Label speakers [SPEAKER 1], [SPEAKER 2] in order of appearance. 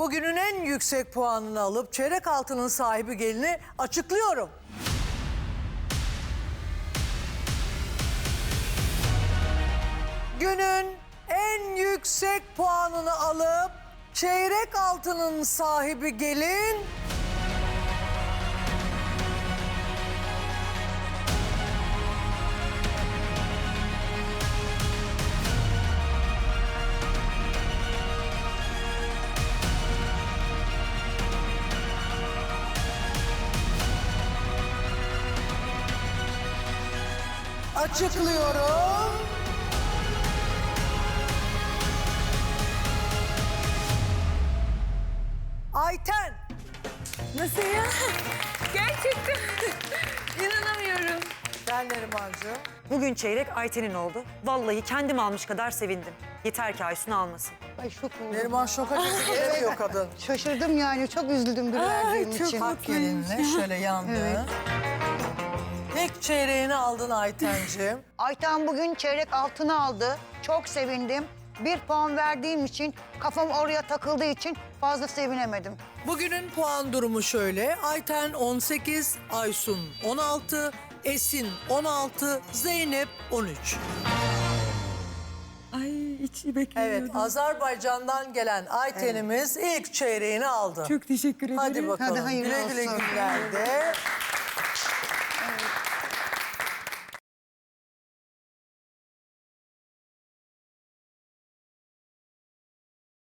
[SPEAKER 1] bugünün en yüksek puanını alıp çeyrek altının sahibi gelini açıklıyorum. Günün en yüksek puanını alıp çeyrek altının sahibi gelin... Açıklıyorum. Ayten.
[SPEAKER 2] Nasıl ya? Gerçekten. İnanamıyorum.
[SPEAKER 1] Gel Nerimancığım.
[SPEAKER 3] Bugün çeyrek Ayten'in oldu. Vallahi kendim almış kadar sevindim. Yeter ki Aysun almasın.
[SPEAKER 4] Ay şok oldum.
[SPEAKER 1] Neriman şoka gelemiyor kadın.
[SPEAKER 4] Şaşırdım yani. Çok üzüldüm bir verdiğim için.
[SPEAKER 1] Hak gelinle şöyle yandı.
[SPEAKER 4] Evet.
[SPEAKER 1] İlk çeyreğini aldın Aytenciğim.
[SPEAKER 4] Ayten bugün çeyrek altını aldı. Çok sevindim. 1 puan verdiğim için, kafam oraya takıldığı için fazla sevinemedim.
[SPEAKER 1] Bugünün puan durumu şöyle. Ayten 18, Aysun 16, Esin 16, Zeynep 13.
[SPEAKER 2] Ay hiç beklemiyordum.
[SPEAKER 1] Evet, Azerbaycan'dan gelen Ayten'imiz ilk çeyreğini aldı.
[SPEAKER 2] Çok teşekkür ederim.
[SPEAKER 1] Hadi bakalım.
[SPEAKER 4] Hadi hayırlı
[SPEAKER 1] güle güle
[SPEAKER 4] olsun.
[SPEAKER 1] günlerde.